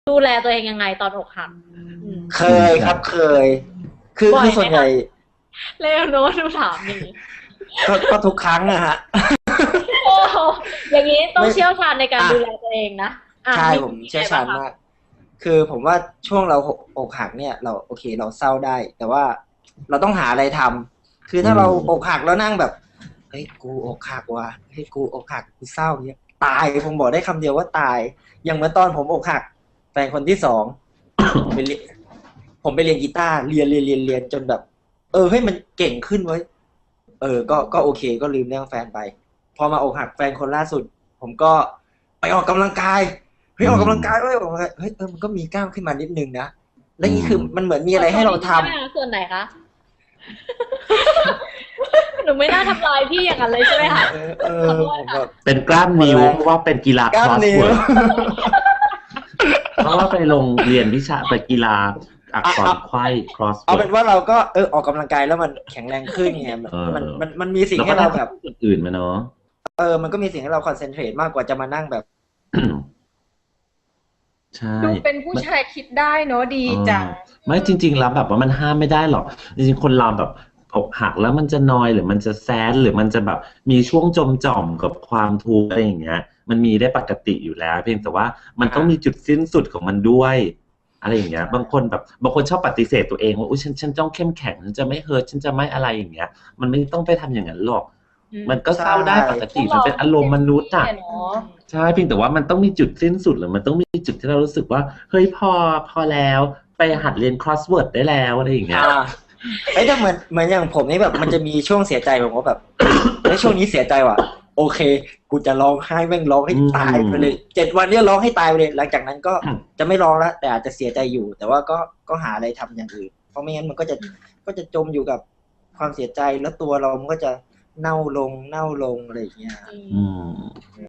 ดูแลตัวเองยังไงตอนอกหักเคยครับเคย คือบ่อยไหมส่วนใหญ่เร็วโน้ตดูถามนี่ก็ทุกครั้งนะฮะโอ้อย่างนี้ต้องไม่เชี่ยวชาญในการดูแลตัวเองนะใช่ผมเชี่ยวชาญมาก คือผมว่าช่วงเราอกหักเนี่ยเราโอเคเราเศร้าได้ แต่ว่าเราต้องหาอะไรทำคือถ้าเราอกหักแล้วนั่งแบบเฮ้ยกูอกหักว่ะเฮ้ยกูอกหักกูเศร้าเนี่ยตายผมบอกได้คำเดียวว่าตายอย่างเมื่อตอนผมอกหักแฟนคนที่สองไปเรียนผมไปเรียนกีตาร์เรียนจนแบบเฮ้ยมันเก่งขึ้นเว้ยก็โอเคก็ลืมเรื่องแฟนไปพอมาอกหักแฟนคนล่าสุด ผมก็ไปออกกำลังกายเฮ้ยออกกำลังกายเฮ้ยมันก็มีกล้ามขึ้นมานิดนึงนะแล้วนี่คือมันเหมือนมีอะไรให้เราทำส่วนไหนคะหนูไม่น่าทำลายพี่อย่างนั้นเลยใช่ไหมคะผมแบบเป็นกล้ามนิ้วเพราะว่าเป็นกีฬากล้ามนิ้วเพราะว่าไปลงเรียนวิชาไปกีฬาอักษรไขว้ cross เอาเป็นว่าเราก็ออกกำลังกายแล้วมันแข็งแรงขึ้นไงมันมีสิ่งให้เราแบบอื่นมาเนาะมันก็มีสิ่งให้เราคอนเซนเทรตมากกว่าจะมานั่งแบบใช่ดูเป็นผู้ชายคิดได้เนาะดีจังไม่จริงๆแล้วแบบว่ามันห้ามไม่ได้หรอกจริงๆคนเราแบบอกหักแล้วมันจะนอยหรือมันจะแซดหรือมันจะแบบมีช่วงจมจ่อมกับความทุกข์อะไรอย่างเงี้ยมันมีได้ปกติอยู่แล้วเพียงแต่ว่ามันต้องมีจุดสิ้นสุดของมันด้วยอะไรอย่างเงี้ยบางคนชอบปฏิเสธตัวเองว่าอุ๊ยฉันต้องเข้มแข็งฉันจะไม่เฮิร์ตฉันจะไม่อะไรอย่างเงี้ยมันไม่ต้องไปทำอย่างนั้นหรอกมันก็เศร้าได้ปกติมันเป็นอารมณ์มนุษย์อ่ะใช่เพียงแต่ว่ามันต้องมีจุดสิ้นสุดหรือมันต้องมีจุดที่เรารู้สึกว่าเฮ้ยพอแล้วไปหัดเรียน crossword ได้แล้วอะไรอย่างเงี้ยแต่เหมือนอย่างผมนี่แบบมันจะมีช่วงเสียใจผมก็แบบช่วงนี้เสียใจว่ะโอเคกูจะร้องไห้แม่งร้องให้ตายไปเลย7 วันเนี่ยร้องให้ตายไปเลยหลังจากนั้นก็จะไม่ร้องแล้วแต่อาจจะเสียใจอยู่แต่ว่าก็หาอะไรทำอย่างอื่นเพราะไม่งั้นมันก็จะจมอยู่กับความเสียใจแล้วตัวเรามันก็จะเน่าลงอะไรอย่างเงี้ย